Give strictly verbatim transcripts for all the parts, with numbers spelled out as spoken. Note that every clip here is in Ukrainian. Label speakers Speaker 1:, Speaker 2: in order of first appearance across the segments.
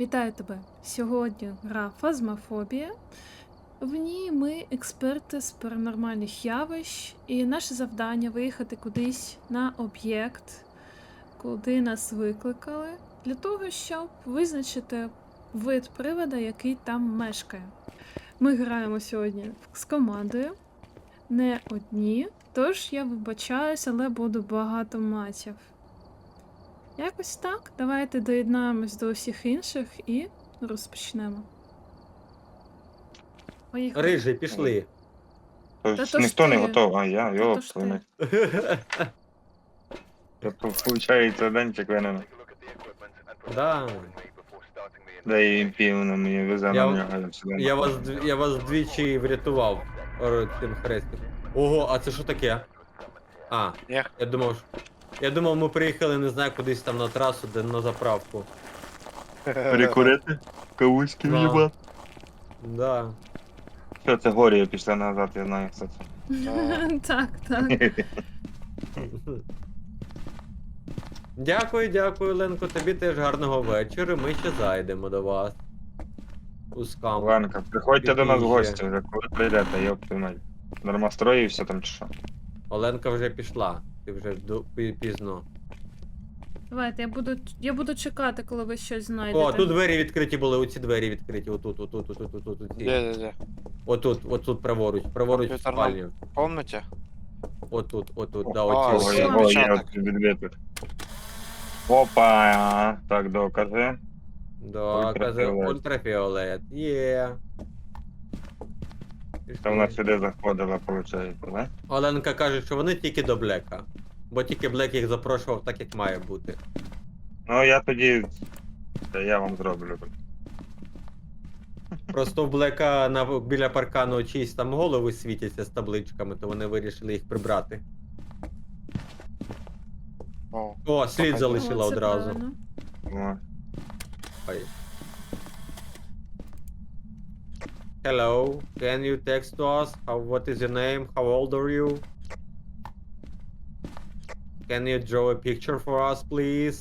Speaker 1: Вітаю тебе! Сьогодні гра Фазмофобія. В ній ми експерти з паранормальних явищ, і наше завдання виїхати кудись на об'єкт, куди нас викликали, для того, щоб визначити вид привода, який там мешкає. Ми граємо сьогодні з командою, не одні, тож я вибачаюсь, але буду багато матів. Якось так. Давайте доєднаємось до усіх інших і розпочнемо. Поїхали.
Speaker 2: Рижий, пішли.
Speaker 1: Та
Speaker 3: Тобто
Speaker 1: то ж
Speaker 3: ніхто не
Speaker 1: ти.
Speaker 3: готов, а я,
Speaker 1: Та
Speaker 3: йоп,
Speaker 1: то ж
Speaker 3: твою
Speaker 1: ти.
Speaker 3: мать. Тобто, виходить, денчик винен.
Speaker 2: Да.
Speaker 3: Да і півно мені везе
Speaker 2: Я-
Speaker 3: на нього сюди.
Speaker 2: Я вас, дв- я вас двічі врятував ор- цим хрестиком. Ого, а це що таке? А,
Speaker 4: Я.
Speaker 2: я думав, що- я думав, ми приїхали, не знаю, кудись там на трасу, де на заправку.
Speaker 3: Перекурити? Кавуськи
Speaker 2: Да.
Speaker 3: в'їбати?
Speaker 2: Да.
Speaker 3: Що, це горі пішли назад, я знаю, що це.
Speaker 1: Так, так.
Speaker 2: Дякую, дякую, Ленко, тобі теж гарного вечора. Ми ще зайдемо до вас. У скам.
Speaker 3: Ленка, приходьте до нас в
Speaker 2: Під'їжджає.
Speaker 3: гості вже, коли прийдете, йоп, твою мать. Нормостроївся там чи що?
Speaker 2: Оленка вже пішла. Ти вже до- пі- пізно.
Speaker 1: Давайте, я буду, я буду чекати, коли ви щось знайдете.
Speaker 2: О, тут двері відкриті були, оці двері відкриті, отут, отут, отут, отут, отут.
Speaker 4: Где-где-где?
Speaker 2: Отут, отут праворуч, праворуч в
Speaker 4: Комп'ютерна-
Speaker 2: спальню.
Speaker 4: В комнате?
Speaker 2: Отут, отут, да,
Speaker 4: А,
Speaker 2: оці.
Speaker 3: Ого,
Speaker 4: все,
Speaker 2: оці.
Speaker 3: його, є
Speaker 4: відпечаток.
Speaker 3: відбиток. Опа, так, докази.
Speaker 2: Да, казав,
Speaker 3: Ультрафіолет.
Speaker 2: ультрафіолет. Є.
Speaker 3: Та вона сюди заходила, виходить, да?
Speaker 2: Оленка каже, що вони тільки до Блека. Бо тільки Блек їх запрошував так, як має бути.
Speaker 3: Ну, я тоді... Та я вам зроблю.
Speaker 2: Просто в Блека на, біля паркану чиїсь там голови світяться з табличками, то вони вирішили їх прибрати.
Speaker 4: О,
Speaker 2: О, слід
Speaker 4: О,
Speaker 1: О,
Speaker 2: залишила
Speaker 1: це
Speaker 2: одразу.
Speaker 1: правильно.
Speaker 3: О.
Speaker 2: Ой. Hello, can you text to us? How, what is your name? How old are you? Can you draw a picture for us, please?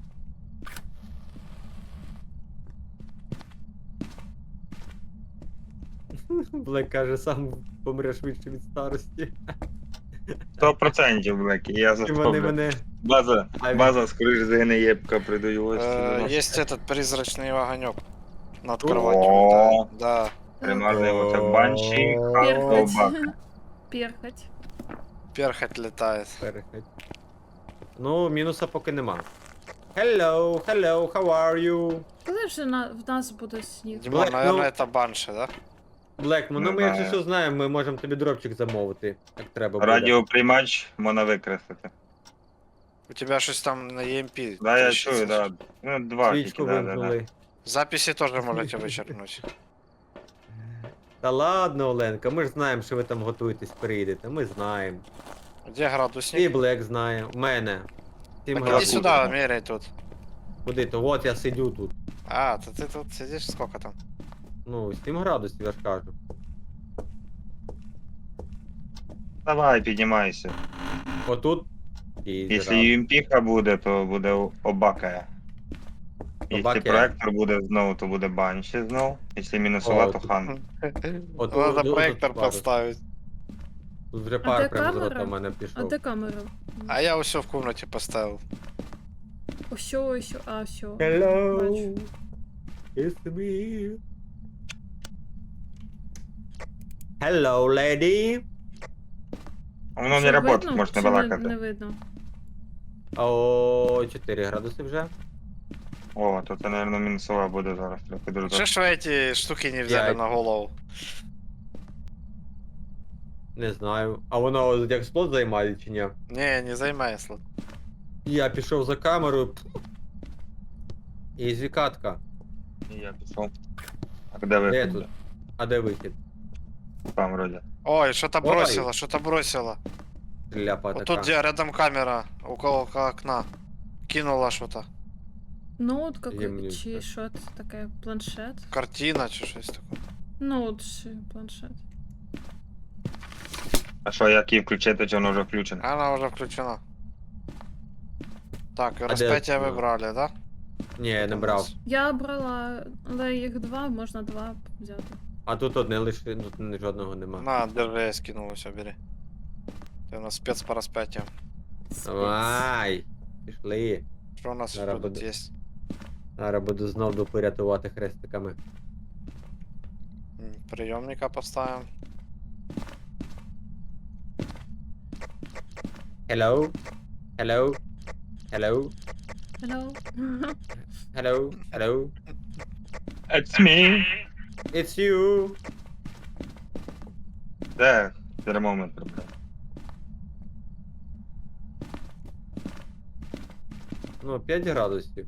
Speaker 2: Блек каже, сам помреш швидше від старості.
Speaker 3: Сто процентів, Блекі, я
Speaker 2: І вони
Speaker 3: заставлю.
Speaker 2: мене.
Speaker 3: База,
Speaker 2: А,
Speaker 3: база, скоріш згине єбка, придаю гості.
Speaker 4: э, есть этот призрачный огонек над
Speaker 2: О.
Speaker 4: кроватью. Да, да.
Speaker 3: Примарний оце банші,
Speaker 1: Перхоть.
Speaker 3: собака.
Speaker 1: Перхоть.
Speaker 4: Перхоть летает.
Speaker 2: Перехід. Ну, мінуса поки нема. Hello, hello, how are you?
Speaker 1: Коли вже на, в нас буде сніг?
Speaker 4: Димон,
Speaker 2: Блэк,
Speaker 4: наверное,
Speaker 2: ну-
Speaker 4: это банши, да?
Speaker 2: Блек, ну
Speaker 3: Не
Speaker 2: ми якщо
Speaker 3: знаю.
Speaker 2: що знаємо, ми можемо тобі дропчик замовити, як треба буде.
Speaker 3: Радіоприймач можна викреслити.
Speaker 4: У тебя что-то там на E M P.
Speaker 3: Да, я
Speaker 4: трещится.
Speaker 3: чую, да. Ну, два
Speaker 2: Свічку
Speaker 3: тільки, да, да, да.
Speaker 2: вимкнули.
Speaker 4: Записи тоже можете вычеркнуть.
Speaker 2: Та ладно, Оленка, ми ж знаємо, що ви там готуєтесь, приїдете, ми знаємо.
Speaker 4: Где
Speaker 2: І
Speaker 4: градусник?
Speaker 2: Блек знає, в мене. Сім
Speaker 4: Так иди
Speaker 2: градусів.
Speaker 4: сюда, меряй тут.
Speaker 2: Куди то? От я сидю тут.
Speaker 4: А, то ты тут сидишь, сколько там?
Speaker 2: Ну, сім градусів, я ж кажу.
Speaker 3: Давай, піднімайся.
Speaker 2: Отут. І
Speaker 3: Якщо ю ем пі буде, то буде обакая. Якщо
Speaker 2: Обакая.
Speaker 3: проектор буде знову, то буде банші знову. Якщо мінусова,
Speaker 2: О,
Speaker 3: то
Speaker 2: тут-
Speaker 3: хан.
Speaker 2: От,
Speaker 4: Надо
Speaker 2: от, от,
Speaker 4: проектор
Speaker 2: от, от.
Speaker 4: поставить.
Speaker 2: Тут вже
Speaker 1: А де
Speaker 2: пар прямо з
Speaker 1: камера?
Speaker 2: рота в мене
Speaker 1: А
Speaker 2: пішов.
Speaker 1: де камера?
Speaker 4: А я все в комнате поставил.
Speaker 1: Ось що, ось що, а що.
Speaker 2: Hello,
Speaker 1: Бачу.
Speaker 2: it's me. Hello, lady.
Speaker 3: Воно
Speaker 1: Що,
Speaker 3: не працює,
Speaker 1: видно
Speaker 3: можна
Speaker 1: чи не, не
Speaker 3: балакати.
Speaker 1: видно.
Speaker 2: О, чотири градуси вже.
Speaker 3: О, то це, мабуть, мінусова буде зараз. Трохи дуже.
Speaker 4: Что ж вы эти штуки не взяли
Speaker 2: Я-
Speaker 4: на голову?
Speaker 2: Не знаю. А воно як слот займає чи ні?
Speaker 4: Не, не займай слот.
Speaker 2: Я пішов за камерою. І звікатка.
Speaker 3: І я пішов. А де ви?
Speaker 2: Де тут? А де вихід?
Speaker 3: Там вроді.
Speaker 4: Ой, что-то
Speaker 2: Ой.
Speaker 4: бросило, что-то бросило.
Speaker 2: Ляпа
Speaker 4: Вот
Speaker 2: така.
Speaker 4: тут, где рядом камера, около окна. Кинула что-то.
Speaker 1: Ноут
Speaker 2: Є
Speaker 1: какой,
Speaker 2: мені
Speaker 1: чи
Speaker 2: це.
Speaker 1: що це таке? Планшет?
Speaker 4: Картина, чи щось таке.
Speaker 1: Ноут чи планшет.
Speaker 3: А що, як її включити, чи воно вже включено?
Speaker 4: Она уже включена. Так,
Speaker 2: де
Speaker 4: распятие
Speaker 2: окно?
Speaker 4: выбрали, да?
Speaker 2: Ні, я не брав.
Speaker 1: Я брала, але їх два, можна два взяти.
Speaker 2: А тут одне лише, тут ні- жодного нема.
Speaker 4: На, держи, я скинул, все, бери. Ты у нас спец по распятию.
Speaker 1: Спец.
Speaker 2: Давай! Пішли.
Speaker 4: Что у нас
Speaker 2: Зараз
Speaker 4: тут
Speaker 2: буде.
Speaker 4: есть?
Speaker 2: Зараз буду знов дупи рятувати хрестиками.
Speaker 4: М, Приемника поставим.
Speaker 2: Hello? Hello? Hello?
Speaker 1: Hello.
Speaker 2: Hello? Hello?
Speaker 3: It's me!
Speaker 2: It's you!
Speaker 3: Де? Термометр, бля.
Speaker 2: Ну, п'ять градусів.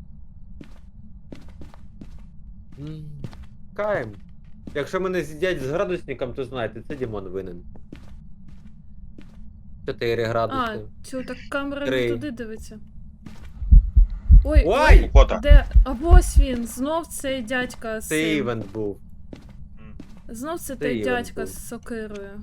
Speaker 2: М, Каєм. Якщо мене з'їдять з градусником, то знаєте, це Дімон винен. чотири
Speaker 1: А,
Speaker 2: градуси.
Speaker 1: чу, так камера
Speaker 2: Три.
Speaker 1: не туди дивиться. Ой,
Speaker 2: Ой!
Speaker 1: ой,
Speaker 3: Фото.
Speaker 1: де? А ось він, знов цей дядька з
Speaker 2: Це
Speaker 1: цим.
Speaker 2: івент був.
Speaker 1: Знов це
Speaker 2: Це
Speaker 1: той
Speaker 2: івент
Speaker 1: дядька
Speaker 2: був.
Speaker 1: з сокирою.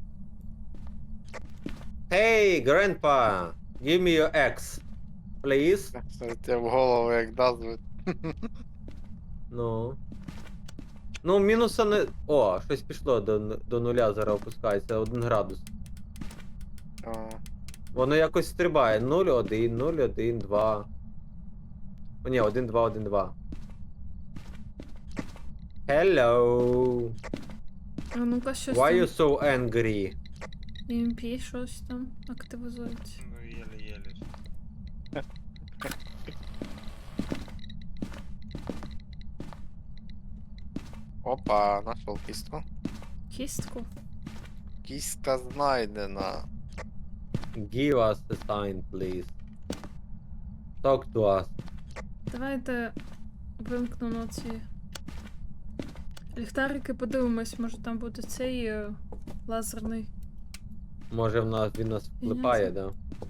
Speaker 2: Hey, grandpa! Give me your ex. Please?
Speaker 4: Тебе в голову як даст.
Speaker 2: Ну. Ну, мінуса не. О, щось пішло до, н- до нуля, зараз опускається, один градус.
Speaker 4: А,
Speaker 2: Воно якось стрибає. нуль, один, нуль, один, два. О, ні, один, два, один, два. Hello.
Speaker 1: А ну-ка, щось
Speaker 2: Why you
Speaker 1: там.
Speaker 2: so angry?
Speaker 1: І ем пі щось там активізується.
Speaker 3: Ну, єле-єле.
Speaker 4: Опа, нашел кистку.
Speaker 1: Кістку.
Speaker 4: Кистка знайдена.
Speaker 2: Give us the sign, please. Talk to us.
Speaker 1: Давайте вимкну на ці ліхтарики, подивимось, може там буде цей е, лазерний.
Speaker 2: Може в нас він нас вклипає, да?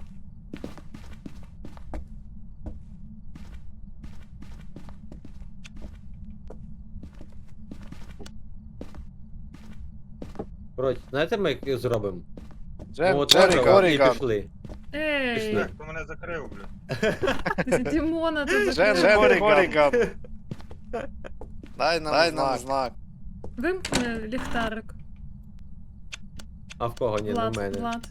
Speaker 2: Коротше, знаєте, ми як зробимо?
Speaker 4: Джем,
Speaker 2: Ну, от
Speaker 4: Джерри
Speaker 2: ладно, і
Speaker 4: Горіган.
Speaker 2: пішли.
Speaker 1: Ей!
Speaker 2: Пішли.
Speaker 3: Так, хто мене закрив, бля?
Speaker 1: Дімона тут
Speaker 4: Джем,
Speaker 1: закрили.
Speaker 4: Джем Горіган. Дай нам Дай нам знак.
Speaker 1: Вимкни ліхтарик.
Speaker 2: А в кого? Ні, не в
Speaker 1: Влад,
Speaker 2: мене.
Speaker 1: Влад.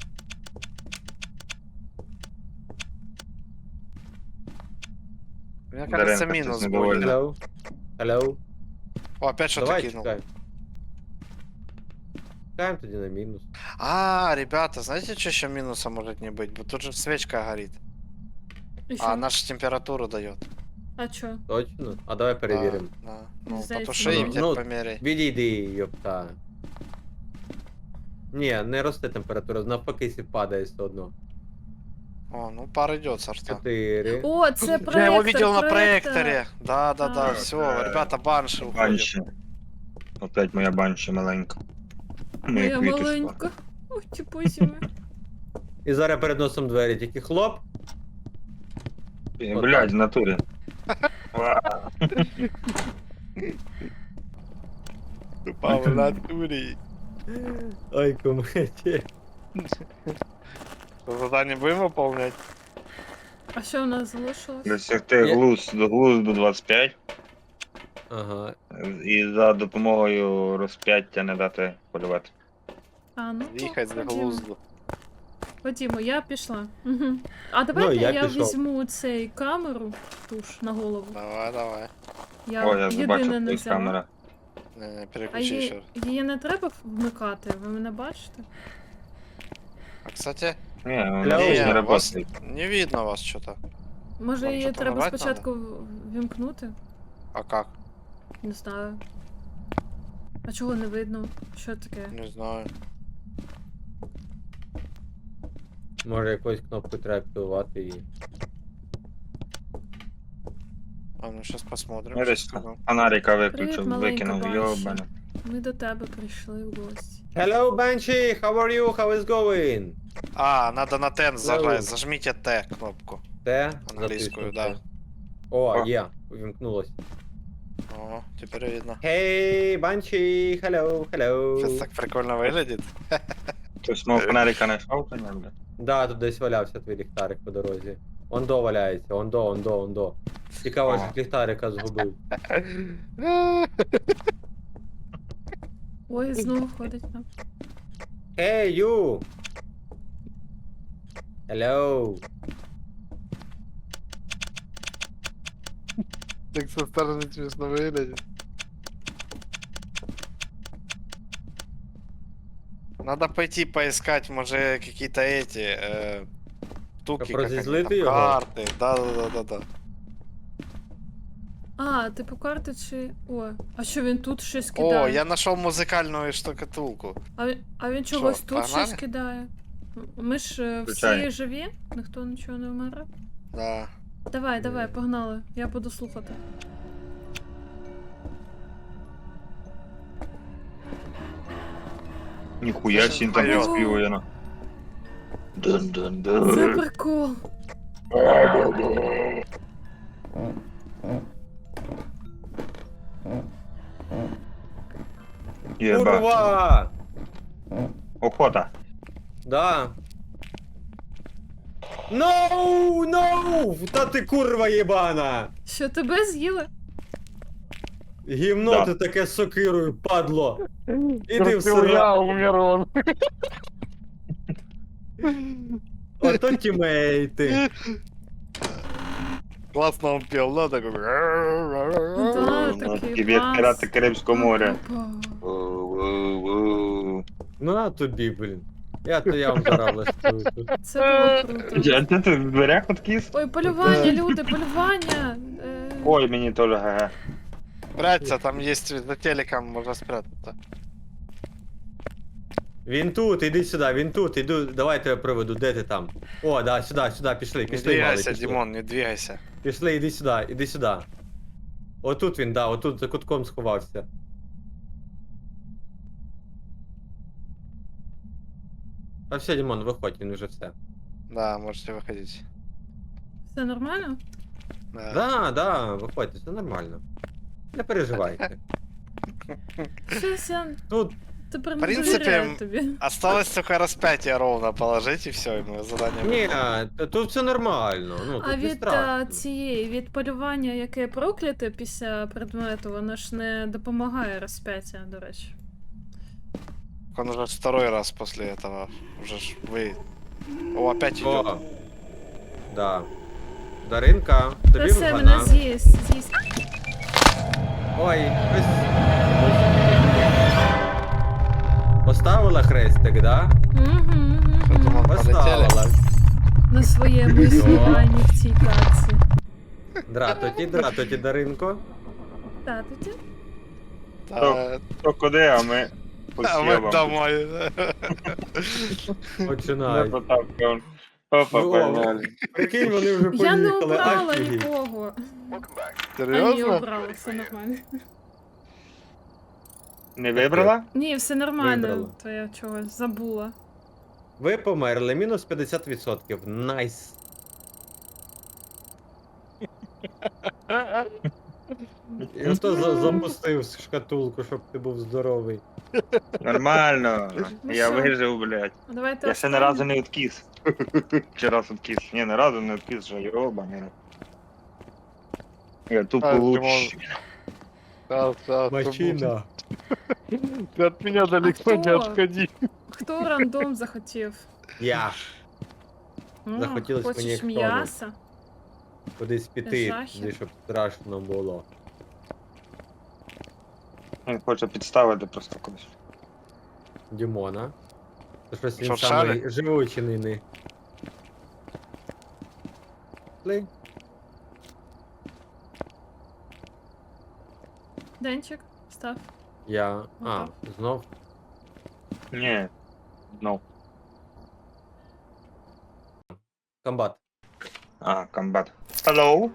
Speaker 4: Мне кажется,
Speaker 3: Даренко,
Speaker 4: минус
Speaker 3: щось недовольний.
Speaker 4: будет.
Speaker 2: Hello? Hello?
Speaker 4: О, опять что-то
Speaker 2: Давай
Speaker 4: кинул.
Speaker 2: чекаємо. Чекаємо тоді на мінус.
Speaker 4: А, ребята, знаете, что еще минуса может не быть? Вот тут же свечка горит.
Speaker 1: І що?
Speaker 4: А наша температуру дает.
Speaker 1: А чо?
Speaker 2: Точно? А давай перевіримо.
Speaker 4: Да, да. Ну,
Speaker 1: Здається,
Speaker 4: потуши и
Speaker 2: ну,
Speaker 4: теперь
Speaker 2: ну,
Speaker 4: померяй.
Speaker 2: Відійди, йопта. Ні, не росте температура, навпаки сі падає все одно.
Speaker 4: О, ну пар идет сорта.
Speaker 2: Чотири.
Speaker 1: О, це проектор,
Speaker 4: Я его видел на
Speaker 1: проектор.
Speaker 4: проекторе. Да, да, да,
Speaker 1: Так.
Speaker 4: все,
Speaker 3: Э,
Speaker 4: ребята, банши уходим.
Speaker 3: Банші. Опять моя банші маленька.
Speaker 1: Моя
Speaker 3: квіточка.
Speaker 1: маленька. Ой, ті позіми.
Speaker 2: І зараз перед носом двері, тільки хлоп.
Speaker 3: Е,
Speaker 2: Отак.
Speaker 3: Блядь, в натурі. Ва.
Speaker 4: Тупо в натуре.
Speaker 2: Ой, куметі.
Speaker 4: Задание будем выполнять?
Speaker 1: А що у нас залишилось?
Speaker 3: Досягти
Speaker 2: Я-
Speaker 3: глузд до глузду двадцять п'ять.
Speaker 2: Ага.
Speaker 3: І за допомогою розп'яття не дати полювати.
Speaker 1: А, ну, то
Speaker 4: Ехать за
Speaker 1: ходімо.
Speaker 4: глузду.
Speaker 1: Ходімо, я пішла. Угу. А давайте
Speaker 2: Ну, я
Speaker 1: я,
Speaker 2: пішов.
Speaker 1: візьму цей камеру, туш на голову.
Speaker 4: Давай, давай.
Speaker 1: Я,
Speaker 3: О, я
Speaker 1: єдине
Speaker 3: побачив
Speaker 1: не
Speaker 3: твої
Speaker 1: взяла.
Speaker 3: камери.
Speaker 4: Не, не,
Speaker 1: А
Speaker 4: переключи
Speaker 1: її,
Speaker 4: еще.
Speaker 1: її не треба вмикати, ви мене бачите?
Speaker 4: А, кстати,
Speaker 3: Ні,
Speaker 2: Hello.
Speaker 3: вона ж не
Speaker 4: не, вас
Speaker 3: працює.
Speaker 4: не видно вас что-то.
Speaker 1: Може
Speaker 4: Вам
Speaker 1: її
Speaker 4: що-то
Speaker 1: треба
Speaker 4: нажать
Speaker 1: спочатку в- вімкнути?
Speaker 4: А как?
Speaker 1: Не знаю. А чого не видно? Що таке?
Speaker 4: Не знаю.
Speaker 2: Може якусь кнопку треба активувати і.
Speaker 4: А ну сейчас посмотрим.
Speaker 3: Я
Speaker 4: щас
Speaker 3: десь
Speaker 4: скажу.
Speaker 3: фонарика
Speaker 1: Привіт,
Speaker 3: виключив,
Speaker 1: маленька
Speaker 3: викинув,
Speaker 1: Банші.
Speaker 3: йобане.
Speaker 1: Ми до тебе прийшли в гості.
Speaker 2: Hello, Banshee! How are you? How is going?
Speaker 4: А, надо на Т
Speaker 2: Hello.
Speaker 4: зажать. Зажмите Т кнопку.
Speaker 2: Те?
Speaker 4: Англійською,
Speaker 2: Затиснуто.
Speaker 4: да.
Speaker 2: О,
Speaker 3: О.
Speaker 2: є, увімкнулось.
Speaker 4: О, теперь видно.
Speaker 2: Hey, Banshee! Hello, hello!
Speaker 4: Сейчас так прикольно выглядит.
Speaker 3: Хтось мого фонарика знайшов, то ні, бля.
Speaker 2: Да, тут десь валявся твій ліхтарик по дорозі. Ондо валяється, ондо, ондо, ондо. Цікаво,
Speaker 3: Ага.
Speaker 2: що ліхтарика згубив.
Speaker 1: Ой, знову ходить там.
Speaker 2: Hey, you! Hello!
Speaker 4: Так со стороны смешно выглядит. Надо пойти поискать, может, какие-то эти э, штуки,
Speaker 2: Щоб
Speaker 4: как они
Speaker 2: розізлити
Speaker 4: там,
Speaker 2: його?
Speaker 4: карты. Да-да-да-да-да.
Speaker 1: А, типу карти чи. О, а що він тут щось
Speaker 4: О,
Speaker 1: кидає?
Speaker 4: я нашел музыкальную штукатулку.
Speaker 1: А, він- а він чогось
Speaker 4: Що,
Speaker 1: тут
Speaker 4: погнали?
Speaker 1: щось кидає. М- Ми ж е, всі
Speaker 3: Звичайно.
Speaker 1: живі, ніхто нічого не вмер.
Speaker 4: Да.
Speaker 1: Давай,
Speaker 2: Ні.
Speaker 1: давай, погнали. Я буду слухати.
Speaker 3: Ніхуя
Speaker 4: Це
Speaker 3: сін там
Speaker 4: вперед.
Speaker 3: співає на.
Speaker 1: Це
Speaker 3: Дун-дун-дун.
Speaker 1: прикол.
Speaker 3: Єба.
Speaker 2: Курва!
Speaker 3: Охота.
Speaker 2: Да. No, no! Та ти курва єбана!
Speaker 1: Що тебе з'їли?
Speaker 2: Гімно
Speaker 3: Да.
Speaker 2: ти таке з сокирою, падло! Іди в сира.
Speaker 4: умер он.
Speaker 2: Ото тімейти.
Speaker 4: Классно он пел, да, такой.
Speaker 1: Ну да,
Speaker 3: Ну,
Speaker 1: такий
Speaker 3: Привіт,
Speaker 1: клас.
Speaker 3: пірати Карибського моря.
Speaker 1: Опа.
Speaker 3: Воу-воу-воу.
Speaker 2: Ну на тобі, блін. Я то я вам зараз влаштую тут.
Speaker 1: Це було круто.
Speaker 3: Я де ти в дверях откис?
Speaker 1: Ой, полювання, люди, полювання. Е,
Speaker 3: Ой, мені теж га.
Speaker 4: Прячься, там есть за телеком, можно спрятаться.
Speaker 2: Він тут, іди сюди, він тут, іду, давай тебе проведу, де ти там? О, да, сюди, сюди, пішли,
Speaker 4: Не
Speaker 2: пішли, малий,
Speaker 4: двигайся,
Speaker 2: пішли.
Speaker 4: Димон, не двигайся.
Speaker 2: Пішли, іди сюди, іди сюди. Отут він, да, отут за кутком сховався. А все, Дімон, виходь, він вже все.
Speaker 4: Да, можете выходить.
Speaker 1: Все нормально?
Speaker 4: Да.
Speaker 2: Да, да, виходьте, все нормально. Не переживайте.
Speaker 1: Щось я
Speaker 2: Тут,
Speaker 1: тепер
Speaker 4: В
Speaker 1: не
Speaker 4: принципі,
Speaker 1: довіряю тобі.
Speaker 4: Осталось только распятие ровно положить, и все, и мы задание
Speaker 2: ні,
Speaker 4: выполним.
Speaker 2: т- тут все нормально, ну,
Speaker 1: А
Speaker 2: тут не
Speaker 1: від а,
Speaker 2: страшно.
Speaker 1: цієї, від полювання, яке прокляте після предмету, воно ж не допомагає розп'яття, до речі.
Speaker 4: Он уже второй раз после этого. Уже ж вы... О, опять идет.
Speaker 2: О, да. Даринка,
Speaker 1: Та
Speaker 2: тобі
Speaker 1: все, мене
Speaker 2: вгана.
Speaker 1: з'їсть, з'їсть.
Speaker 2: Ой, ось. Поставила хрестик, да?
Speaker 1: Угу,
Speaker 4: Я думал, полетели.
Speaker 2: Поставила.
Speaker 1: на своєму існуванні в цій таці.
Speaker 2: Дратоті, дратоті, Даринко.
Speaker 1: Та, тоді.
Speaker 4: Да,
Speaker 3: То куди, а ми по
Speaker 4: а мы
Speaker 3: сєвам.
Speaker 4: домой.
Speaker 3: Не
Speaker 2: Починай.
Speaker 3: потапка. Опа,
Speaker 2: Ну,
Speaker 3: погнали.
Speaker 2: Прикинь, вони вже
Speaker 1: Я не
Speaker 2: поїхали.
Speaker 1: обрала
Speaker 2: Офігеть.
Speaker 1: нікого. А ні,
Speaker 4: Серьезно?
Speaker 1: обрала, все нормально.
Speaker 3: Не вибрала?
Speaker 1: Ні, все нормально,
Speaker 2: Вибрала.
Speaker 1: то я чогось забула.
Speaker 2: Ви померли, мінус п'ятдесят відсотків. Найс. Я то за- запустив шкатулку, щоб ти був здоровий.
Speaker 3: Нормально.
Speaker 1: Ну
Speaker 3: Я
Speaker 1: що?
Speaker 3: вижив, блядь.
Speaker 1: А Давайте
Speaker 3: Я ще
Speaker 1: останнє.
Speaker 3: ні разу не відкис. Чи раз відкис? Ні, ні разу не відкис, що йобаний. Я тупо
Speaker 4: А,
Speaker 3: лучше.
Speaker 2: Мачина.
Speaker 4: Ты от меня
Speaker 1: далеко не кто?
Speaker 4: отходи.
Speaker 1: Хто рандом захотів?
Speaker 2: Я.
Speaker 1: М,
Speaker 2: Захотілось
Speaker 1: хочеш
Speaker 2: мені як
Speaker 1: м'яса?
Speaker 2: Кудись піти,
Speaker 1: Жахів.
Speaker 2: туди, щоб страшно було.
Speaker 3: Він хоче підставити просто когось.
Speaker 2: Дімона. Це щось він
Speaker 4: Що, в
Speaker 2: самий
Speaker 4: шарі?
Speaker 2: живучий нині. Пли.
Speaker 1: Денчик, став.
Speaker 2: Я. А,
Speaker 1: Отак.
Speaker 2: знов.
Speaker 3: Ні. Ну.
Speaker 2: Комбат.
Speaker 3: А, комбат. Hello?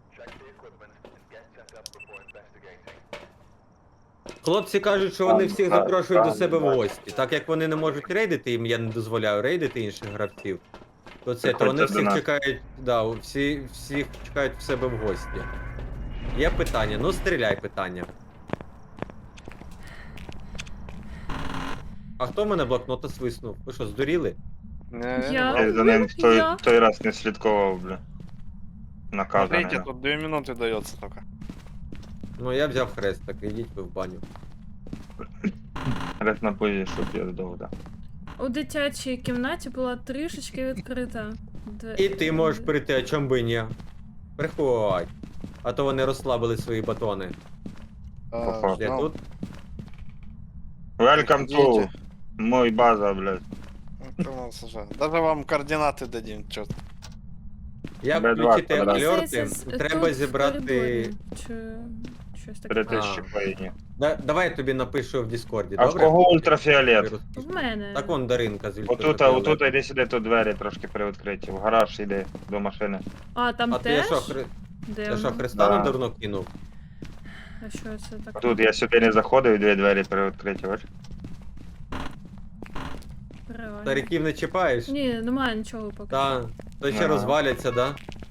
Speaker 2: Хлопці кажуть, що вони всіх
Speaker 3: Комбат,
Speaker 2: запрошують до себе в
Speaker 3: комбат.
Speaker 2: гості. Так як вони не можуть рейдити, їм я не дозволяю рейдити інших гравців. То це, то
Speaker 3: Приходьте
Speaker 2: вони
Speaker 3: до
Speaker 2: всіх
Speaker 3: нас.
Speaker 2: чекають, да, всі, всіх чекають в себе в гості. Є питання, ну стріляй питання. А хто в мене блокнота свиснув? Ви що, здуріли?
Speaker 1: Я?
Speaker 3: Я за ним в той,
Speaker 1: Я?
Speaker 3: той раз не слідкував, бля. наказаний.
Speaker 4: Смотрите, тут две минуты дается только.
Speaker 2: Ну я взяв хрест, так ідіть ви в баню.
Speaker 3: Раз на позі, щоб я здав, да.
Speaker 1: У дитячій кімнаті була трішечки відкрита. Две-
Speaker 2: І ти можеш прийти, а чом би ні? Приходь. А то вони розслабили свої батони.
Speaker 4: А,
Speaker 3: Походу.
Speaker 2: Я
Speaker 4: ну,
Speaker 2: тут?
Speaker 3: Welcome to
Speaker 4: идите.
Speaker 3: мой база, блядь.
Speaker 4: Ну, ты у нас уже- Даже вам координаты дадим, чё.
Speaker 2: Як
Speaker 3: Б два
Speaker 2: включити
Speaker 3: квадрат.
Speaker 2: альорти,
Speaker 1: Здається,
Speaker 2: треба
Speaker 1: тут в
Speaker 2: зібрати.
Speaker 1: коридорі. Чи щось таке.
Speaker 3: Три
Speaker 2: А.
Speaker 3: тисячі поїдні.
Speaker 2: Да, давай я тобі напишу в Діскорді,
Speaker 3: А в
Speaker 2: добре?
Speaker 3: кого ультрафіолет?
Speaker 1: В мене.
Speaker 2: Так вон Даринка з
Speaker 3: Отут, а
Speaker 2: ультрафіолетом.
Speaker 3: отут іди сюди, тут двері трошки привідкриті. В гараж йди до машини.
Speaker 1: А, там
Speaker 2: А ти
Speaker 1: теж?
Speaker 2: що, хри...
Speaker 1: Де
Speaker 2: ти що
Speaker 1: воно?
Speaker 2: Христа
Speaker 3: Да.
Speaker 2: на дурно кинув?
Speaker 1: А що це таке?
Speaker 3: Тут я сюди не заходив, дві двері привідкриті, бач?
Speaker 1: Реально.
Speaker 2: Стариків не чіпаєш?
Speaker 1: Ні, немає нічого поки.
Speaker 2: Та, то ще
Speaker 3: Ага.
Speaker 2: розваляться, да?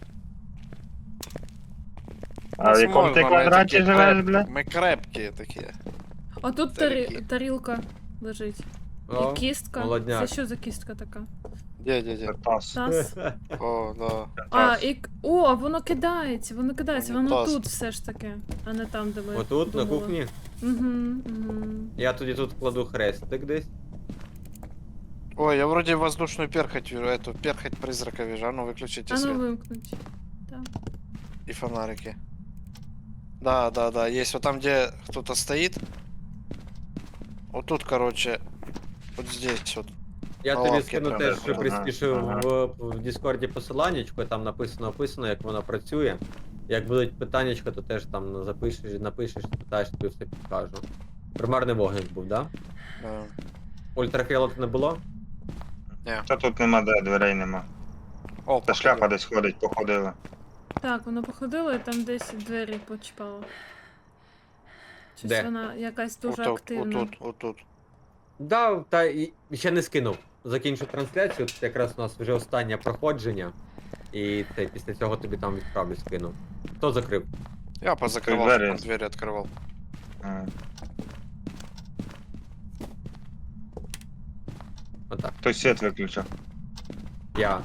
Speaker 3: А в якому ти
Speaker 4: Возможно, мы
Speaker 3: квадраті
Speaker 4: такие
Speaker 3: живеш,
Speaker 4: креп-
Speaker 3: бля?
Speaker 4: Мы крепкие такие.
Speaker 1: А тут
Speaker 4: Старики.
Speaker 1: тарі... тарілка лежить.
Speaker 2: О,
Speaker 1: І кістка.
Speaker 2: молодняк.
Speaker 1: Це що за кістка така?
Speaker 4: Где, где, где?
Speaker 3: Таз.
Speaker 1: Таз.
Speaker 4: О, да.
Speaker 1: А,
Speaker 3: Таз.
Speaker 1: і... к- О, воно кидається, воно кидається, воно
Speaker 4: Унітаз.
Speaker 1: тут все ж таки, а не там, де ми
Speaker 2: Отут, на
Speaker 1: думали.
Speaker 2: кухні.
Speaker 1: Угу, угу.
Speaker 2: Я тоді тут кладу хрестик десь.
Speaker 4: Ой, я вроде воздушную перхоть вижу, эту перхоть призрака вижу. А ну выключите
Speaker 1: А ну
Speaker 4: свет.
Speaker 1: вимкнуть. Так.
Speaker 4: И фонарики. Да, да, да, есть вот там, где кто-то стоит. Вот тут, короче, вот здесь вот.
Speaker 2: Я
Speaker 4: На
Speaker 2: тобі
Speaker 4: лавці
Speaker 2: скину
Speaker 4: прям,
Speaker 2: теж
Speaker 3: ага,
Speaker 2: приспішив
Speaker 3: ага.
Speaker 2: в, в Діскорді посиланнячко, там написано описано, як воно працює. Як будуть питаннячка, то теж там запишеш, напишеш, спитаєш, тобі все підкажу. Примарний вогник був, да?
Speaker 4: Да.
Speaker 2: Ультрафіолет не було?
Speaker 3: Та тут нема де, дверей нема.
Speaker 4: О,
Speaker 3: Та шляпа
Speaker 4: походу.
Speaker 3: десь ходить, походила.
Speaker 1: Так, воно походило і там десь двері почіпало. Щось
Speaker 2: Де?
Speaker 1: вона якась дуже
Speaker 4: Вот тут,
Speaker 1: активна.
Speaker 4: вот тут, вот тут.
Speaker 2: Да, та і ще не скинув. Закінчу трансляцію, тут якраз у нас вже останнє проходження. І це, після цього тобі там відправлю скину. Хто закрив?
Speaker 4: Я позакрывал,
Speaker 3: двери.
Speaker 4: чтоб он двери открывал.
Speaker 3: А,
Speaker 2: Отак.
Speaker 3: Хтось світ виключив.
Speaker 2: Я.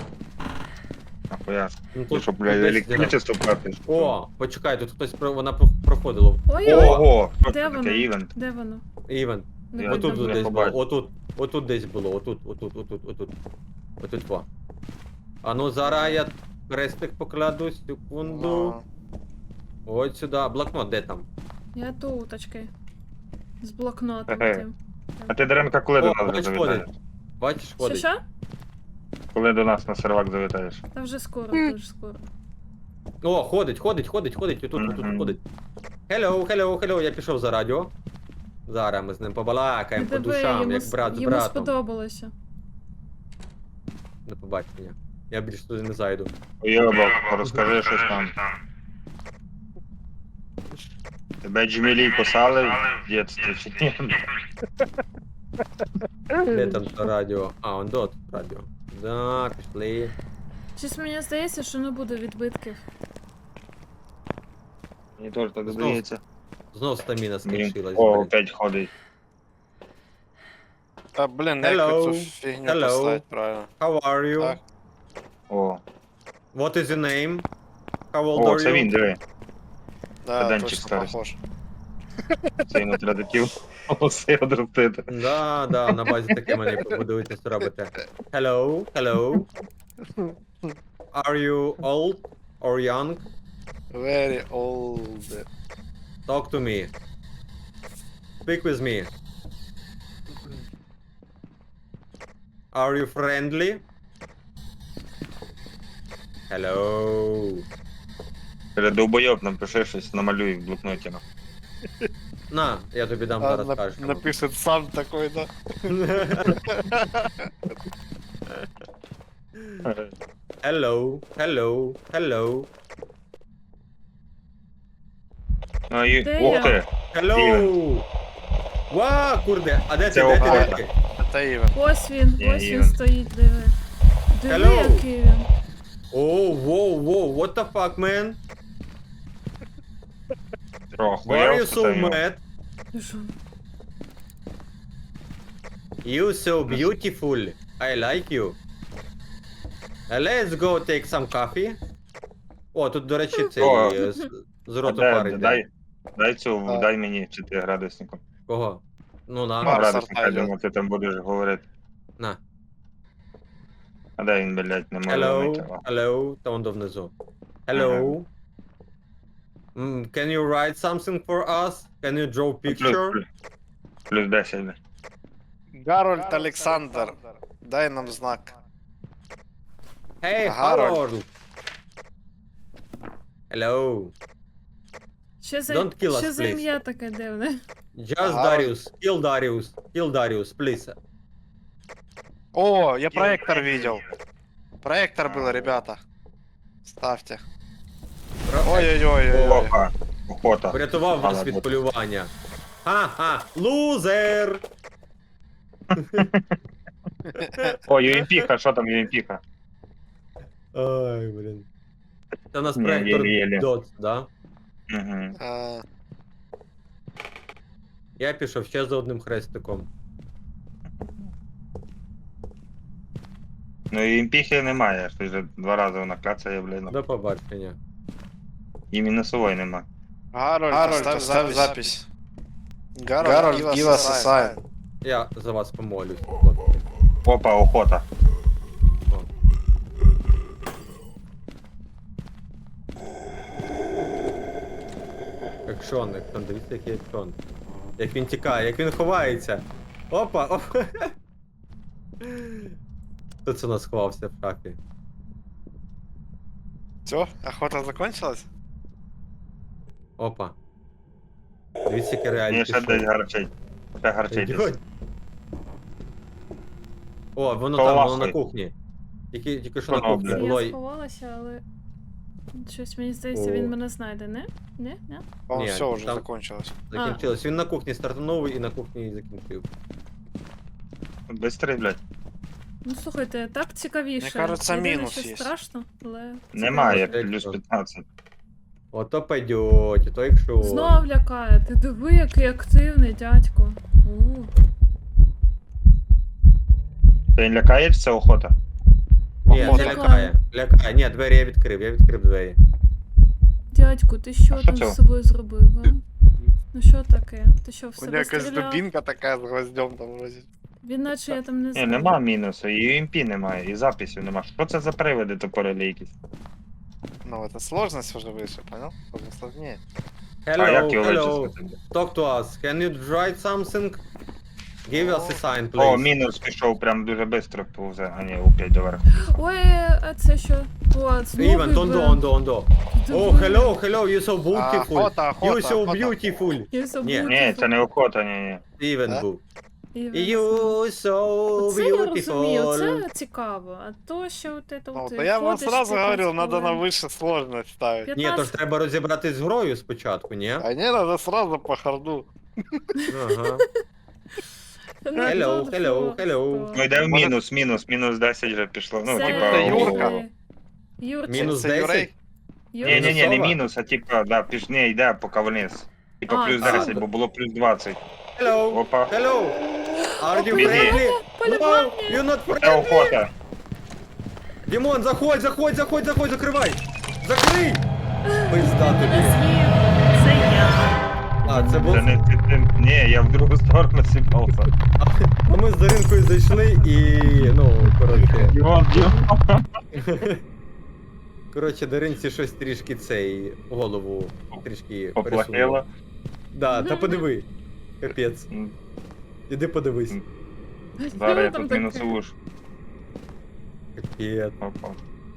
Speaker 3: Ахуя.
Speaker 2: Ну,
Speaker 3: Ти що,
Speaker 2: тут
Speaker 3: блядь,
Speaker 2: десь-
Speaker 3: електричество платиш?
Speaker 2: О, почекай, тут хтось про- вона про- проходила.
Speaker 1: Ой-ой,
Speaker 3: Ого! Що
Speaker 1: Де
Speaker 3: це
Speaker 1: воно?
Speaker 3: таке івент?
Speaker 1: де воно?
Speaker 2: Івент.
Speaker 1: Не
Speaker 3: Я
Speaker 1: видно
Speaker 2: Отут
Speaker 1: було.
Speaker 3: не
Speaker 2: десь було,
Speaker 3: побачив.
Speaker 2: отут, отут десь було, отут, отут, отут, отут. Отут во. А ну зараз я хрестик покладу, секунду.
Speaker 4: Ну,
Speaker 2: Ось сюди. Блокнот, де там?
Speaker 1: Я туточки. З блокнотом
Speaker 3: Ага.
Speaker 1: тим.
Speaker 3: А ти, Даренка, коли
Speaker 2: О,
Speaker 3: до нас
Speaker 2: бач,
Speaker 3: завітаєш?
Speaker 2: ходить. Бачиш,
Speaker 1: Що
Speaker 2: ходить.
Speaker 1: що?
Speaker 3: Коли до нас на сервак завітаєш?
Speaker 1: Та вже скоро, дуже скоро.
Speaker 2: О, ходить, ходить, ходить, ходить, отут, отут
Speaker 3: Мгм.
Speaker 2: ходить. Hello, hello, hello, я пішов за радіо. Зараз ми з ним побалакаємо по
Speaker 1: Диви,
Speaker 2: душам,
Speaker 1: йому,
Speaker 2: як
Speaker 1: с-
Speaker 2: брат з
Speaker 1: йому
Speaker 2: братом.
Speaker 1: сподобалося.
Speaker 2: До побачення. Я більше туди не зайду.
Speaker 3: Уйобок, розкажи щось там. Тебе Джмілі кусали в дитинстві чи ні?
Speaker 2: Де там то радіо? А, он дот радіо. Да, пішли.
Speaker 1: Щось мені здається, що не буде відбитків.
Speaker 3: Мені теж так
Speaker 2: Знов.
Speaker 3: здається.
Speaker 2: Знов стаміна
Speaker 3: Блін.
Speaker 2: скінчилась.
Speaker 3: О,
Speaker 2: блін.
Speaker 3: опять ходить.
Speaker 4: А, блин, я
Speaker 2: Hello.
Speaker 4: какую-то фигню
Speaker 2: Hello.
Speaker 4: поставить, правильно.
Speaker 2: How are you?
Speaker 4: Так.
Speaker 3: О,
Speaker 2: What is your name? How old
Speaker 3: о,
Speaker 2: are
Speaker 3: це
Speaker 2: you?
Speaker 3: він, диви.
Speaker 4: Да,
Speaker 3: Студентчик
Speaker 4: точно
Speaker 3: старый.
Speaker 4: похож.
Speaker 3: Це йому треба такі волоси одростити.
Speaker 2: Да, да, на базі таке мені побудуєте, робите. Hello, hello. Are you old or young?
Speaker 4: Very old.
Speaker 2: Talk to me. Speak with me. Are you friendly? Hello.
Speaker 3: Каже, довбойоб, напиши щось, намалюй в блокноті. ну.
Speaker 2: На, я тобі дам
Speaker 4: А,
Speaker 2: зараз
Speaker 4: нап-
Speaker 2: кажеш.
Speaker 4: напишет сам такой, да?
Speaker 2: Hello, hello, hello,
Speaker 3: Ну, і...
Speaker 1: Де
Speaker 3: Ух
Speaker 1: я?
Speaker 3: ти!
Speaker 2: hello. Ва, курде, а де ти,
Speaker 3: Це
Speaker 2: де ти, де
Speaker 3: охота.
Speaker 2: ти?
Speaker 4: Это Иван.
Speaker 1: Ось він,
Speaker 3: Є,
Speaker 1: ось
Speaker 3: є.
Speaker 1: він стоїть, диви. Диви,
Speaker 2: Hello.
Speaker 1: який він.
Speaker 2: О, воу, воу, what the fuck, man?
Speaker 3: Трохи.
Speaker 2: Why are you so mad?
Speaker 1: Ти що?
Speaker 2: You so beautiful. I like you. Uh, let's go take some coffee. О, тут, до речі, цей
Speaker 3: О.
Speaker 2: е, з, з
Speaker 3: А
Speaker 2: роту
Speaker 3: де-
Speaker 2: парень.
Speaker 3: дай,
Speaker 2: де.
Speaker 3: дай цю,
Speaker 4: А.
Speaker 3: дай мені п'ятиградуснику.
Speaker 2: Кого? Ну
Speaker 3: Ну,
Speaker 2: на,
Speaker 4: Марс
Speaker 3: градусник, я
Speaker 4: арта
Speaker 3: думаю, ти там будеш говорити.
Speaker 2: на.
Speaker 3: А де він, блядь, не може
Speaker 2: Hello,
Speaker 3: вмити? О.
Speaker 2: hello, та он до внизу. Hello. Mm, can you write something for us? Can you draw
Speaker 3: Плюс,
Speaker 2: picture?
Speaker 3: плюс, плюс десять. блядь.
Speaker 4: Гарольд Олександр, дай нам знак.
Speaker 2: Hey,
Speaker 4: Гарольд.
Speaker 2: Harold. Hello.
Speaker 1: Що за,
Speaker 2: Don't kill us,
Speaker 1: що за
Speaker 2: please.
Speaker 1: ім'я таке дивне?
Speaker 2: Just
Speaker 4: Гарольд.
Speaker 2: Darius. Kill Darius. Kill Darius, please.
Speaker 4: О, я проектор видел. Проектор был, ребята. Ставьте.
Speaker 2: Про-
Speaker 4: Ой-ой-ой.
Speaker 3: Опа, охота.
Speaker 2: Врятував вас
Speaker 3: Мала
Speaker 2: від
Speaker 3: бути.
Speaker 2: полювання. Ха-ха, лузер!
Speaker 3: О, ю ем пі-ка, що там ю ем пі-ка?
Speaker 2: Ой, блін. Це у нас
Speaker 3: Ні,
Speaker 2: проектор
Speaker 3: єлі-єлі.
Speaker 2: доц, да?
Speaker 3: Угу.
Speaker 4: А,
Speaker 2: Я пішов ще за одним хрестиком.
Speaker 3: Ну ю ем пі-хи немає, що вже два рази вона кляцає, блядь.
Speaker 2: До побачення.
Speaker 3: І мінусової нема.
Speaker 4: Гарольд, ставь, ставь запись. Гарольд, give us a sign.
Speaker 2: Я за вас помолюсь, хлопці.
Speaker 3: Опа, охота.
Speaker 2: О. Екшон, екшон, дивіться, який екшон. Як він тікає, як він ховається. Опа, опа. Хто це у нас ховався в шафі?
Speaker 4: Все, охота закончилась?
Speaker 2: Опа. Дивіться, яке
Speaker 3: Ні,
Speaker 2: реаліті
Speaker 3: ще десь
Speaker 2: шоу.
Speaker 3: гарчить. Ще гарчить.
Speaker 2: Ідіть. О, воно
Speaker 3: Коло
Speaker 2: там, воно
Speaker 3: лахи.
Speaker 2: на кухні. Тільки, тільки що
Speaker 3: Воно,
Speaker 2: на кухні
Speaker 3: блядь.
Speaker 2: було.
Speaker 1: Я
Speaker 2: й-
Speaker 1: сховалася, але. Щось мені здається,
Speaker 2: О.
Speaker 1: він мене знайде, не? Не? Не?
Speaker 4: По
Speaker 2: Не,
Speaker 4: все уже
Speaker 2: там-
Speaker 4: закончилось.
Speaker 2: Закінчилось. Він на кухні стартанув і на кухні і закінчив.
Speaker 3: Бистрий, блядь.
Speaker 1: Ну слухайте, так цікавіше.
Speaker 4: Мені кажеться,
Speaker 1: Єдине,
Speaker 4: мінус
Speaker 1: що
Speaker 4: є.
Speaker 1: страшно, але.
Speaker 3: Немає,
Speaker 2: Цікаво.
Speaker 3: плюс п'ятнадцять.
Speaker 2: Ото пойдете, то якщо.
Speaker 1: Знов лякає. Ти диви, який активний дядько. У.
Speaker 3: Ти не лякаєшся, охота?
Speaker 2: Ні, не
Speaker 4: Охота.
Speaker 2: лякає. Лякає. Ні, двері я відкрив, я відкрив двері.
Speaker 1: Дядьку, ти що
Speaker 3: А що
Speaker 1: там
Speaker 3: це?
Speaker 1: з собою зробив, а? Ну що таке? Ти що, в
Speaker 4: У
Speaker 1: себе
Speaker 4: меня якась
Speaker 1: стріляв?
Speaker 4: дубинка такая с гвоздем там возит.
Speaker 1: Він наче я там не
Speaker 3: Ні,
Speaker 1: знаю.
Speaker 3: нема мінусу, і ю ем пі немає, і записів нема. Що це за приводи топорелі якісь?
Speaker 4: Ну, это сложность уже выше, понял? Уже сложнее.
Speaker 3: А
Speaker 2: Hello,
Speaker 3: як його
Speaker 2: hello.
Speaker 3: вичислити?
Speaker 2: Talk to us. Can you write something? Give us a sign,
Speaker 3: О,
Speaker 2: please.
Speaker 3: мінус пішов прям дуже швидко повзе, а ні, опять доверху.
Speaker 1: Ой, а це що? О, знову
Speaker 2: Іван, ондо,
Speaker 1: івент.
Speaker 2: ондо, ондо.
Speaker 1: Диви.
Speaker 2: О, hello, hello, you so beautiful.
Speaker 4: Охота, охота,
Speaker 2: You so
Speaker 4: охота.
Speaker 2: beautiful.
Speaker 1: Я so
Speaker 2: Ні.
Speaker 1: beautiful.
Speaker 3: Ні, це не охота, ні, ні.
Speaker 2: Івен
Speaker 4: Да?
Speaker 2: був.
Speaker 1: Івент.
Speaker 2: You so
Speaker 1: Оце я розумію,
Speaker 2: beautiful.
Speaker 1: це цікаво. А то, що от це
Speaker 4: Ну,
Speaker 1: от
Speaker 4: то я вам
Speaker 1: ходиш
Speaker 4: сразу
Speaker 1: п'ятнадцять
Speaker 4: говорил, надо на
Speaker 1: хвилин.
Speaker 4: выше сложность ставить.
Speaker 2: Ні, то
Speaker 1: п'ятнадцять
Speaker 2: ж треба розібратись з грою спочатку, ні?
Speaker 4: А не, надо сразу по харду.
Speaker 2: Ага.
Speaker 1: Ну,
Speaker 2: Hello,
Speaker 1: добре,
Speaker 2: hello,
Speaker 1: що?
Speaker 2: hello.
Speaker 3: Ну йде в
Speaker 4: Може-
Speaker 3: мінус, мінус, мінус десять вже пішло. Ну,
Speaker 1: Це
Speaker 3: типа,
Speaker 4: Це
Speaker 3: о,
Speaker 4: Юрка.
Speaker 3: о, о.
Speaker 1: Юрчик.
Speaker 2: Мінус
Speaker 4: Це
Speaker 2: десять?
Speaker 4: Юрей?
Speaker 3: Ні,
Speaker 1: Юрчик.
Speaker 3: ні, ні, не
Speaker 2: Мінусова?
Speaker 3: мінус, а типа, да, піш, не, йде поки вниз. Типа
Speaker 1: А,
Speaker 3: плюс
Speaker 1: а.
Speaker 3: десять, бо було плюс двадцять.
Speaker 2: Hello,
Speaker 3: Опа.
Speaker 2: hello. Are you
Speaker 3: Біги.
Speaker 2: friendly?
Speaker 1: Полювання.
Speaker 2: No, you're not
Speaker 3: Це
Speaker 2: friendly.
Speaker 3: охота.
Speaker 2: Дімон, заходь, заходь, заходь, заходь, закривай. Закрий. Пизда
Speaker 1: Тебе
Speaker 2: тобі.
Speaker 1: з'їв. Це я.
Speaker 2: А, це був...
Speaker 3: Це не ти, ти, ні, я в другу сторону сіпався.
Speaker 2: А ми з Даринкою зайшли і, ну, коротше.
Speaker 3: Дімон, Дімон.
Speaker 2: Коротше, Даринці щось трішки цей голову трішки
Speaker 3: Поплахило.
Speaker 2: пересунуло. Да, та подиви. Капець.
Speaker 3: М,
Speaker 2: Іди подивись.
Speaker 3: М. Зараз я
Speaker 1: Там
Speaker 3: тут
Speaker 1: таке.
Speaker 3: мінусову ж.
Speaker 2: Капець.
Speaker 3: Опа.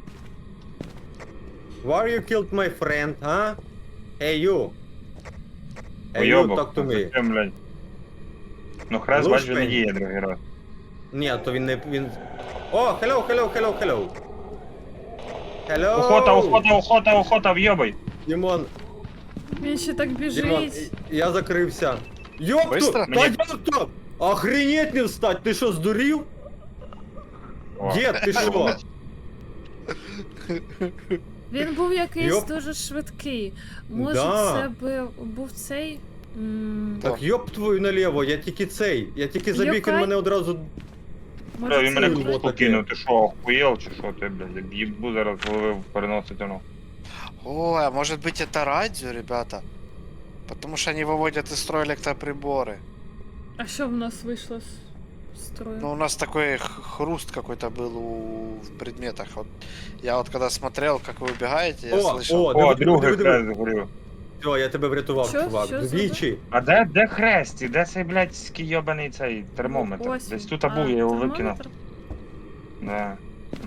Speaker 2: Why you killed my friend, huh? Hey you. Hey you,
Speaker 3: Уйобок,
Speaker 2: talk to me.
Speaker 3: зачем, блядь? Ну хрест, бач, він не
Speaker 2: Лушпень.
Speaker 3: діє другий раз.
Speaker 2: Ні, то він не... він... О, hello, hello, hello, hello. Hello.
Speaker 3: Охота, охота, охота, охота, в'єбай.
Speaker 2: Дімон,
Speaker 1: Він ще так
Speaker 2: Дімон,
Speaker 1: біжить.
Speaker 2: я закрився. Ёпту!
Speaker 4: Быстро?
Speaker 2: Та
Speaker 3: Мені-
Speaker 2: ёпту! Охренеть не встать! Ти що, здурів?
Speaker 3: О.
Speaker 2: Дід, ти що?
Speaker 1: Він був якийсь
Speaker 2: Йоп.
Speaker 1: дуже швидкий. Може,
Speaker 2: Да.
Speaker 1: це би був цей. м,
Speaker 2: Так йоп твою наліво, я тільки цей. Я тільки забіг, він
Speaker 1: Йокай.
Speaker 2: мене одразу...
Speaker 1: Може,
Speaker 3: Він
Speaker 1: це
Speaker 3: мене
Speaker 2: Це
Speaker 3: тут
Speaker 2: було
Speaker 3: штуку
Speaker 2: таке.
Speaker 3: кинув, ти що, охуєл чи що ти, блядь, як їбу зараз голови переносить воно.
Speaker 4: Ой, а может быть это радио, ребята? Потому что они выводят из строя электроприборы.
Speaker 1: А що в нас вийшло з строю?
Speaker 4: Ну, у нас такой х- хруст какой-то был у... в предметах. Вот я вот когда смотрел, как вы убегаете, я
Speaker 2: О,
Speaker 4: слышал.
Speaker 2: о,
Speaker 3: О,
Speaker 2: диви,
Speaker 3: другий
Speaker 2: диви, диви.
Speaker 3: хрест згорів.
Speaker 2: Все, я тебе врятував,
Speaker 1: Що?
Speaker 2: чувак.
Speaker 1: Що
Speaker 2: Двічі.
Speaker 3: А де, де хрест? Де цей блядський йобаний цей термометр?
Speaker 1: Ось
Speaker 3: Десь
Speaker 1: він.
Speaker 3: тут
Speaker 1: А,
Speaker 3: був, я його викинув.
Speaker 1: термометр?
Speaker 3: Да.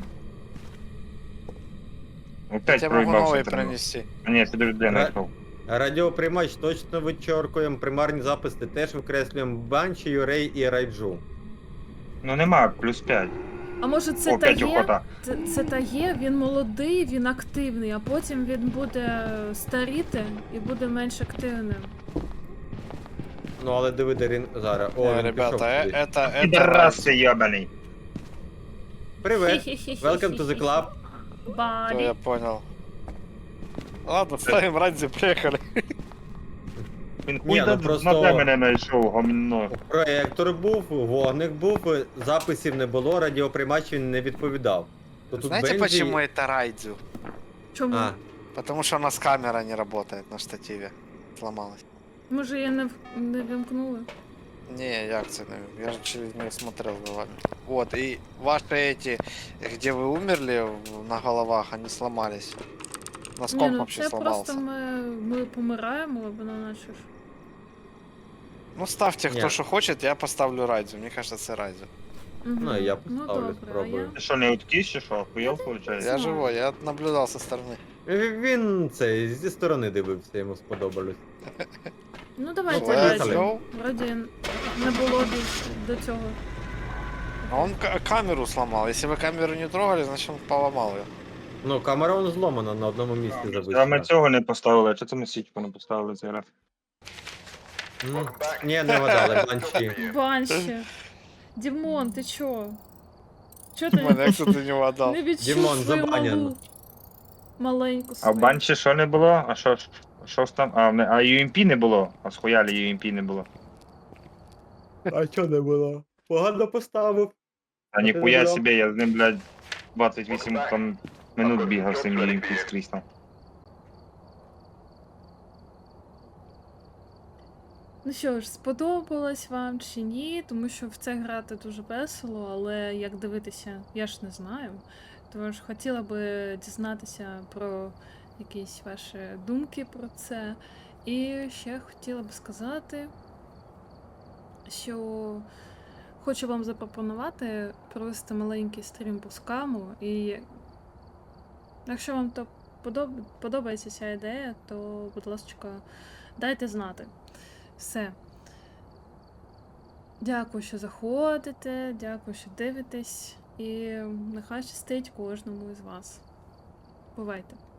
Speaker 4: Я
Speaker 3: Опять
Speaker 4: тебе могу
Speaker 3: проїбався
Speaker 4: новый
Speaker 3: термометр.
Speaker 4: принести.
Speaker 3: А ні, підожди, я
Speaker 2: Ра-
Speaker 3: знайшов.
Speaker 2: Радіоприймач точно вичоркуємо, примарні записи теж викреслюємо Банші, Юрей і Райджу.
Speaker 3: Ну нема, плюс п'ять.
Speaker 1: А може це
Speaker 3: О, п'ять
Speaker 1: та є?
Speaker 3: охота.
Speaker 1: Це, це та є, він молодий, він активний, а потім він буде старіти і буде менш активним.
Speaker 2: Ну але диви, де він зараз. О,
Speaker 4: Э,
Speaker 2: він
Speaker 4: ребята,
Speaker 2: пішов
Speaker 4: э,
Speaker 2: кудись.
Speaker 4: это, это
Speaker 3: Підрас
Speaker 4: радио.
Speaker 3: цей йобаний.
Speaker 2: Привет, welcome to the club.
Speaker 4: То
Speaker 1: Балі.
Speaker 4: я понял. Ладно, ставим радио, приехали.
Speaker 3: Він
Speaker 2: Ні,
Speaker 3: хуй
Speaker 2: ну
Speaker 3: на
Speaker 2: просто-
Speaker 3: на де мене знайшов, гомно.
Speaker 2: Проєктор був, вогник був, записів не було, радіоприймач він не відповідав. То тут
Speaker 4: Знаете,
Speaker 2: Бензі-
Speaker 4: почему это радио?
Speaker 1: Чому?
Speaker 2: А,
Speaker 4: Потому что у нас камера не работает на штативе. Сломалась.
Speaker 1: Може я не, в- не вимкнула?
Speaker 4: Не, я акции, я же через нее смотрел за вами. Вот, и ваши эти, где вы умерли в- на головах, они сломались. У нас
Speaker 1: Ні,
Speaker 4: комп
Speaker 1: ну
Speaker 4: вообще
Speaker 1: це
Speaker 4: сломался.
Speaker 1: просто ми, ми помираємо, або на наче ж.
Speaker 4: Ну ставьте, кто
Speaker 2: Не.
Speaker 4: что хочет, я поставлю радио. Мне кажется, это радио.
Speaker 1: Мгм.
Speaker 2: Ну, і я
Speaker 1: Ну,
Speaker 2: поставлю,
Speaker 1: добре,
Speaker 2: спробую.
Speaker 1: а я...
Speaker 3: Ти що, не уткіс чи що? Охуєл, виходить?
Speaker 4: Я
Speaker 1: Знаю.
Speaker 4: живой, я наблюдал со стороны.
Speaker 2: Він цей зі сторони дивився, йому сподобалось.
Speaker 1: Ну давайте
Speaker 2: Ну,
Speaker 1: раді.
Speaker 2: поїхали.
Speaker 4: go.
Speaker 1: Вроді не було більше до цього.
Speaker 4: А он ка- камеру сломал. Если вы камеру не трогали, значит он поломал ее.
Speaker 2: Ну, камера он зломана на одному місці
Speaker 3: А ми
Speaker 2: зависла.
Speaker 3: цього не поставили, а чого це ми січку не поставили цей раз?
Speaker 2: Ну, ні, не вгадали, банші.
Speaker 1: Банші. Дімон, ти чо? Чо ти
Speaker 4: Мене кто-то не угадал.
Speaker 1: не відчув
Speaker 2: Дімон,
Speaker 1: свою
Speaker 2: забанено.
Speaker 1: малу маленьку
Speaker 3: А в
Speaker 1: свою?
Speaker 3: банчі що не було? А що ж? Що ж там? А, не- а ю ем пі не було? А схуяли ю ем пі не було.
Speaker 2: А чого не було? Погано поставив.
Speaker 3: А
Speaker 2: ти не
Speaker 3: ніхуя
Speaker 2: брав?
Speaker 3: собі, я з ним, блядь, двадцять вісім там минут бігав з цим ю ем пі скрізь там.
Speaker 1: Ну що ж, сподобалось вам чи ні, тому що в це грати дуже весело, але як дивитися, я ж не знаю. Тож хотіла би дізнатися про якісь ваші думки про це. І ще хотіла би сказати, що хочу вам запропонувати провести маленький стрім по скаму. І якщо вам то подоб- подобається ця ідея, то, будь ласка, дайте знати. Все. Дякую, що заходите, дякую, що дивитесь, і нехай щастить кожному із вас. Бувайте!